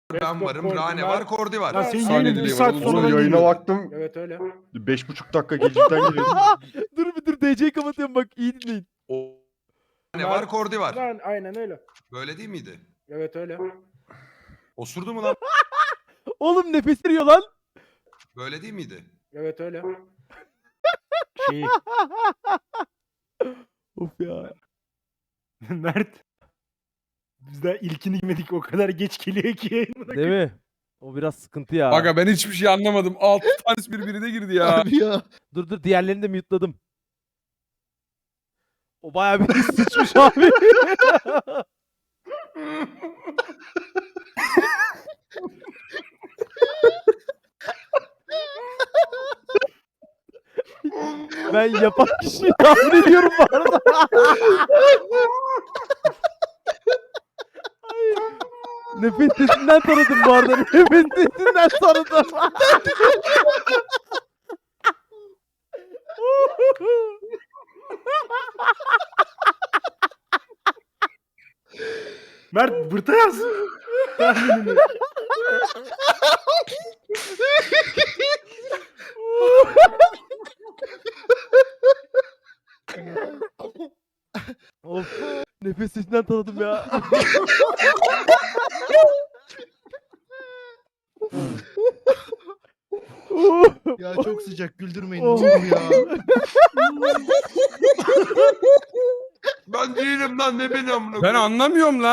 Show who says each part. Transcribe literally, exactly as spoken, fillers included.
Speaker 1: Ben varım,
Speaker 2: Kordi
Speaker 1: Rane
Speaker 2: var.
Speaker 1: var, Kordi var.
Speaker 2: Lan senin
Speaker 3: Saniye
Speaker 2: yayının bir
Speaker 3: dileği
Speaker 2: saat
Speaker 3: var.
Speaker 2: sonradan
Speaker 4: Oğlum yayına
Speaker 2: geliyor.
Speaker 4: baktım.
Speaker 2: Evet öyle.
Speaker 4: Beş buçuk dakika gecikten geliyor.
Speaker 5: dur bir dur D C'yi kapatıyorum bak iyi dinleyin.
Speaker 1: Rane var, Kordi var.
Speaker 2: Lan aynen öyle.
Speaker 1: Böyle değil miydi?
Speaker 2: Evet öyle.
Speaker 1: Osurdu mu lan?
Speaker 5: Oğlum nefes veriyor lan.
Speaker 1: Böyle değil miydi?
Speaker 2: Evet öyle. Şey
Speaker 5: Of ya.
Speaker 2: Mert. Biz daha ilkini yemedik o kadar geç geliyor ki yayına.
Speaker 5: Değil mi? O biraz sıkıntı ya.
Speaker 3: Aga ben hiçbir şey anlamadım. Altı tanesi birbirine girdi ya.
Speaker 6: Abi ya.
Speaker 5: Dur dur diğerlerini de mute'ladım. O bayağı bir sıçmış abi. Ben yapan kişiyi tahmin ediyorum bu arada. Ay, nefes sesinden tanıdım bu arada. Nefes sesinden tanıdım.
Speaker 2: Mert bırta yaz. Tahminini.
Speaker 5: Of. Nefes sesinden tanıdım ya.
Speaker 6: Ya çok sıcak güldürmeyin.
Speaker 5: Oh.
Speaker 6: Ne olur ya.
Speaker 1: Ben değilim lan, ne beni amına
Speaker 3: Ben
Speaker 1: koyayım?
Speaker 3: anlamıyorum lan.